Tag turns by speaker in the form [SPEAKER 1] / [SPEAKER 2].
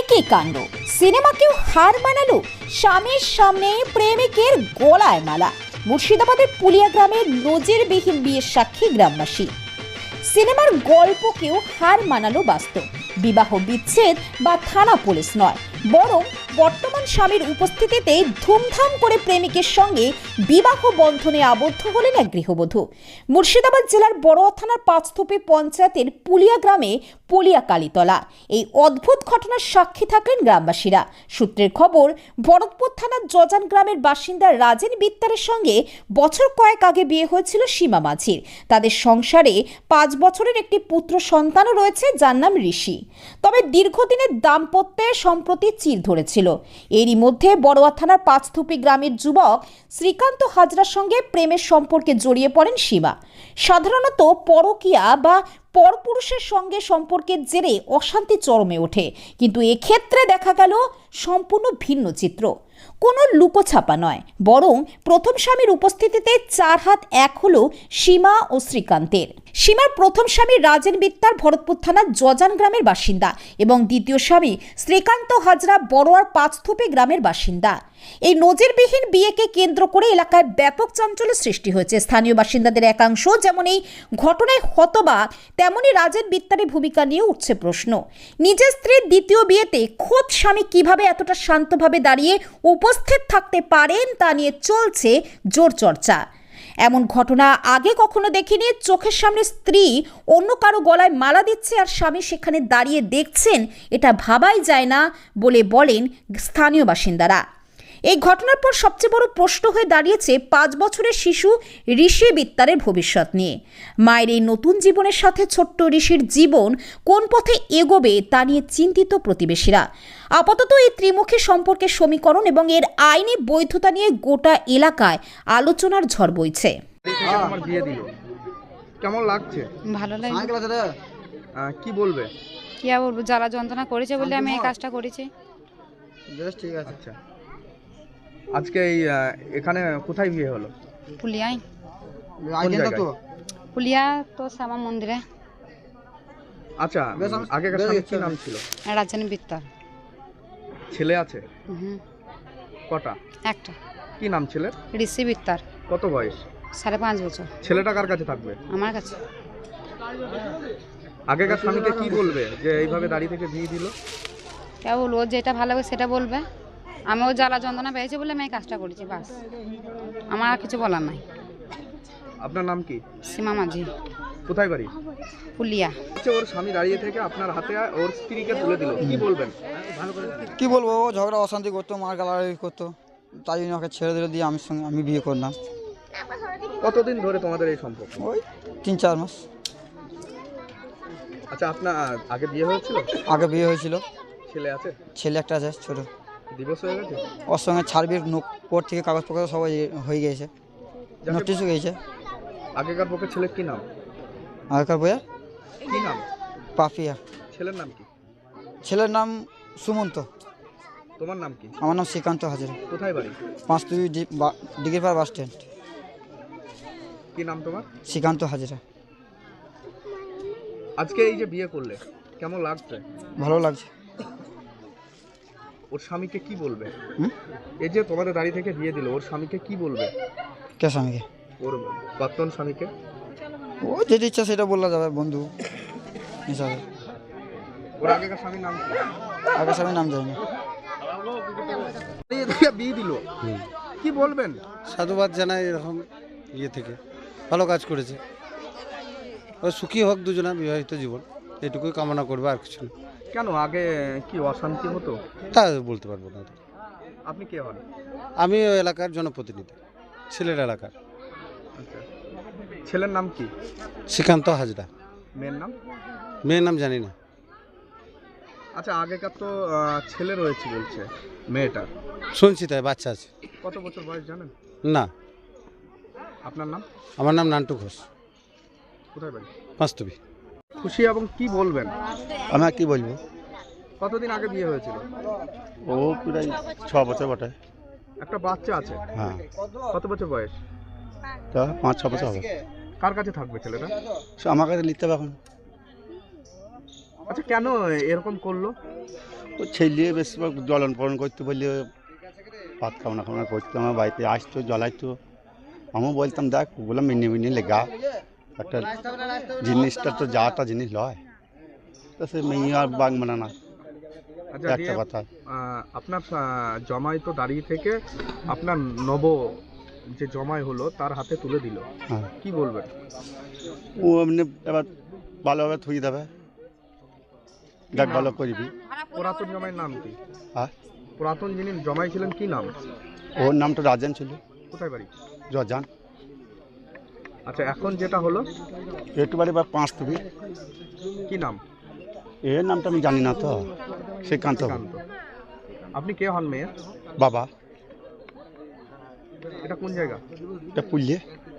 [SPEAKER 1] কি কাণ্ড, সিনেমাকেও হার মানালো, স্বামীর সামনে প্রেমিকের গলায় মালা। মুর্শিদাবাদের পুলিয়া গ্রামের নজিরবিহীন বিয়ের সাক্ষী গ্রামবাসী। সিনেমার গল্পকেও হার মানালো বাস্তব। বিবাহ বিচ্ছেদ বা থানা পুলিশ নয়, বরং বর্তমান স্বামীর উপস্থিতিতে ধুমধাম করে প্রেমিকের সঙ্গে বিবাহ বন্ধনে আবদ্ধ হলেন এক গৃহবধূ। মুর্শিদাবাদ জেলার বড়োয়া থানার পাঁচথোপে পঞ্চায়েতের পুলিয়া গ্রামে পুলিয়া কালীতলা এই অদ্ভুত ঘটনার সাক্ষী থাকলেন গ্রামবাসীরা। সূত্রের খবর, ভরতপুর থানার জজান গ্রামের বাসিন্দা রাজেন বিত্তারের সঙ্গে বছর কয়েক আগে বিয়ে হয়েছিল সীমা মাঝির। তাদের সংসারে 5 বছরের একটি পুত্র সন্তানও রয়েছে, যার নাম ঋষি। তবে দীর্ঘদিনের দাম্পত্যে সম্প্রতি চির ধরেছিল। এরই মধ্যে বড়োয়া থানার পাঁচথোপি গ্রামের যুবক শ্রীকান্ত হাজরার সঙ্গে প্রেমের সম্পর্কে জড়িয়ে পড়েন সীমা। সাধারণত পরকীয়া বা পরপুরুষের সঙ্গে সম্পর্কের জেরে অশান্তি চরমে ওঠে, কিন্তু এক্ষেত্রে দেখা গেল সম্পূর্ণ ভিন্ন চিত্র। কোনো লুকোছাপা নয়, বরং প্রথম স্বামীর উপস্থিতিতে 4 হাত এক হলো সীমা ও শ্রীকান্তের। সীমার প্রথম স্বামী রাজেন বিত্তার ভরতপুর থানার জজান গ্রামের বাসিন্দা এবং দ্বিতীয় স্বামী শ্রীকান্ত হাজরা বড়োয়ার পাঁচথোপে গ্রামের বাসিন্দা। এই নজিরবিহীন বিয়েকে কেন্দ্র করে এলাকায় ব্যাপক চাঞ্চল্য সৃষ্টি হয়েছে। স্থানীয় বাসিন্দাদের একাংশ যেমন এই ঘটনায় হতবাক, তেমনি রাজেন বিত্তারের ভূমিকা নিয়ে উঠছে প্রশ্ন। নিজের স্ত্রীর দ্বিতীয় বিয়েতে খোদ স্বামী কিভাবে এতটা শান্তভাবে দাঁড়িয়ে উপস্থিত থাকতে পারেন তা নিয়ে চলছে জোর চর্চা। এমন ঘটনা আগে কখনো দেখিনি। চোখের সামনে স্ত্রী অন্য কারো গলায় মালা দিচ্ছে আর স্বামী সেখানে দাঁড়িয়ে দেখছেন, এটা ভাবাই যায় না বলে বলেন স্থানীয় বাসিন্দারা। এই ঘটনার পর সবচেয়ে বড় প্রশ্ন হয়ে দাঁড়িয়েছে 5 বছরের শিশু ঋষি বিত্তারের ভবিষ্যৎ নিয়ে। মায়ের এই নতুন জীবনের সাথে ছোট্ট ঋষির জীবন কোন পথে এগোবে তা নিয়ে চিন্তিত প্রতিবেশীরা। আপাতত এই ত্রিমুখী সম্পর্কের সমীকরণ এবং এর আইনি বৈধতা নিয়ে গোটা এলাকায় আলোচনার ঝড় বইছে।
[SPEAKER 2] আমার বিয়ে দিল, কেমন লাগছে?
[SPEAKER 3] ভালো লাগে।
[SPEAKER 2] কি বলবে?
[SPEAKER 3] কি আর বলবো, জ্বালা যন্ত্রণা করেছে বলে আমি এই কাজটা করেছি।
[SPEAKER 2] বেশ, ঠিক আছে। আচ্ছা, আজকে এই এখানে কোথায় বিয়ে হলো?
[SPEAKER 3] পুলিয়ায়।
[SPEAKER 2] কোন জায়গায়?
[SPEAKER 3] পুলিয়া তো শ্যামা মন্দিরে।
[SPEAKER 2] আচ্ছা, আগেকার স্বামীর কি নাম ছিল?
[SPEAKER 3] রাজেন বিত্তার।
[SPEAKER 2] ছেলে আছে? কটা?
[SPEAKER 3] একটা।
[SPEAKER 2] কি নাম ছেলের?
[SPEAKER 3] ঋষি বিত্তার।
[SPEAKER 2] কত বয়স?
[SPEAKER 3] 5.5 বছর।
[SPEAKER 2] ছেলেটা কার কাছে থাকবে?
[SPEAKER 3] আমার কাছে।
[SPEAKER 2] আগেকার স্বামীকে কি বলবে যে এইভাবে দাঁড়িয়ে থেকে বিয়ে দিল?
[SPEAKER 3] কে বলবো, ওর যেটা ভালো লাগে সেটা বলবে। আমি ও জ্বালা যন্ত্রণা পেয়েছে বলে আমি এই কাজটা করেছি, বাস। আমার আর কিছু বলার নাই।
[SPEAKER 2] আপনার নাম কি?
[SPEAKER 3] সীমা মাঝি।
[SPEAKER 2] কোথায় বাড়ি?
[SPEAKER 3] পুলিয়া।
[SPEAKER 2] আচ্ছা, ওর স্বামী দাঁড়িয়ে থেকে আপনার হাতে ওর স্ত্রীকে তুলে দিল, কি বলবেন?
[SPEAKER 4] কি বলবো, ও ঝগড়া অশান্তি করতো, মার গালাগালি করতো, তাই জন্য ওকে ছেড়ে দিলে দিয়ে আমি বিয়ে করলাম।
[SPEAKER 2] কতদিন ধরে তোমাদের এই সম্পর্ক?
[SPEAKER 4] ওই 3-4 মাস।
[SPEAKER 2] আচ্ছা, আপনার আগে বিয়ে হয়েছিল?
[SPEAKER 4] আগে বিয়ে হয়েছিল।
[SPEAKER 2] ছেলে আছে?
[SPEAKER 4] ছেলে একটা আছে, ছোট।
[SPEAKER 2] দিবস হয়ে গেছে?
[SPEAKER 4] ওর সঙ্গে ছাড়বির কোর্ট থেকে কাগজপত্র সবাই হয়ে গিয়েছে, নোটিশও গিয়েছে।
[SPEAKER 2] আগেকার পক্ষে ছেলের কি নাম?
[SPEAKER 4] আগেকার বইয়া
[SPEAKER 2] কি নাম?
[SPEAKER 4] পাপিয়া।
[SPEAKER 2] ছেলের নাম কি?
[SPEAKER 4] ছেলের নাম সুমন্ত।
[SPEAKER 2] তোমার নাম কি?
[SPEAKER 4] আমার নাম শ্রীকান্ত হাজরা।
[SPEAKER 2] কোথায় বাড়ি?
[SPEAKER 4] Panchtubi Digripara bus stand.
[SPEAKER 2] কি নাম তোমার?
[SPEAKER 4] শ্রীকান্ত হাজরা।
[SPEAKER 2] আজকে এই যে বিয়ে করলে, কেমন লাগছে?
[SPEAKER 4] ভালো লাগছে।
[SPEAKER 2] ওর স্বামীকে কি বলবে? এই যে তোমাদের দাঁড়িয়ে থেকে বিয়ে দিল, ওর স্বামীকে কি বলবে?
[SPEAKER 4] কে স্বামীকে?
[SPEAKER 2] ওর বর্তমান স্বামীকে।
[SPEAKER 4] ও যেটা ইচ্ছা সেটা বলা যাবে, বন্ধু হিসাবে।
[SPEAKER 2] ওর আগেকার স্বামীর নাম কি?
[SPEAKER 4] আগের স্বামীর নাম জানি না।
[SPEAKER 2] বিয়ে দিল, কি বলবেন?
[SPEAKER 5] সাধুবাদ জানাই, এরকম ইয়ে থেকে ভালো কাজ করেছে। ও সুখী হোক দুজনা, বিবাহিত জীবন এটুকুই কামনা করবে, আর কিছু না।
[SPEAKER 2] কেন আগে কি অশান্তি হতো?
[SPEAKER 5] তা বলতে পারবো না।
[SPEAKER 2] আপনি কে হন?
[SPEAKER 5] আমি ওই এলাকার জনপ্রতিনিধি, সিলেট এলাকার।
[SPEAKER 2] আচ্ছা, ছেলের নাম কি?
[SPEAKER 5] শ্রীকান্ত হাজরা।
[SPEAKER 2] মেয়ের নাম?
[SPEAKER 5] মেয়ের নাম জানি না।
[SPEAKER 2] আচ্ছা, আগেকার তো ছেলে রয়েছে বলছে মেয়েটার,
[SPEAKER 5] শুনছি তাই, বাচ্চা আছে।
[SPEAKER 2] কত বছর বয়স জানেন?
[SPEAKER 5] না।
[SPEAKER 2] আপনার নাম?
[SPEAKER 5] আমার নাম নান্টু ঘোষ।
[SPEAKER 2] কোথায় বাড়ি?
[SPEAKER 5] পাঁচতুবি।
[SPEAKER 2] খুশি এবং কি বলবেন?
[SPEAKER 4] আমি কি বলবো,
[SPEAKER 2] কতদিন আগে বিয়ে হয়েছিল?
[SPEAKER 6] ও প্রায় 6 বছর বটে।
[SPEAKER 2] একটা বাচ্চা আছে?
[SPEAKER 6] হ্যাঁ,
[SPEAKER 2] কত বছর বয়স?
[SPEAKER 6] তা 5-6 বছর হবে।
[SPEAKER 2] কার কাছে থাকবে ছেলেটা?
[SPEAKER 6] আমার কাছে নিতে হবে এখন।
[SPEAKER 2] আচ্ছা, কেন এরকম করলো?
[SPEAKER 6] ও ছেলে বেশিরভাগ জ্বলন পলন করতে বললে ভাত খাওয়া খাওয়া করতো, আমার বাড়িতে আসতো জ্বলাইতো। আমিও বলতাম দেখ ওগুলো মিনি লেগা একটা জিনিসটা তো যাটা জিনিস লয়, তো সে মেয়ে আর বাঘ মানে না,
[SPEAKER 2] আচ্ছা
[SPEAKER 6] একটা
[SPEAKER 2] দিয়ে,
[SPEAKER 6] কথা।
[SPEAKER 2] আপনার জমাই তো দাঁড়িয়ে থেকে আপনার যে জমাই হলো তার হাতে তুলে দিল,
[SPEAKER 6] হ্যাঁ,
[SPEAKER 2] কি বলবেন?
[SPEAKER 6] ও এমনি এবার ভালোভাবে থুই দেবে, দেখ ভালো করবি।
[SPEAKER 2] পুরাতন জমাইয়ের নাম কি?
[SPEAKER 6] হ্যাঁ,
[SPEAKER 2] পুরাতন যিনি জমাই ছিলেন কি নাম?
[SPEAKER 6] ওর নামটা রাজান ছিল,
[SPEAKER 2] কোথায় বাড়ি?
[SPEAKER 6] জজান।
[SPEAKER 2] আচ্ছা এখন যেটা হলো
[SPEAKER 6] একটু বাড়ি বা 5 তুমি,
[SPEAKER 2] কি নাম?
[SPEAKER 6] এর নামটা আমি জানি না তো, শ্রীকান্ত
[SPEAKER 2] শ্রীকান্ত। আপনি কে হন মেয়ের?
[SPEAKER 6] বাবা।
[SPEAKER 2] এটা কোন জায়গা?
[SPEAKER 6] এটা পুলিয়ে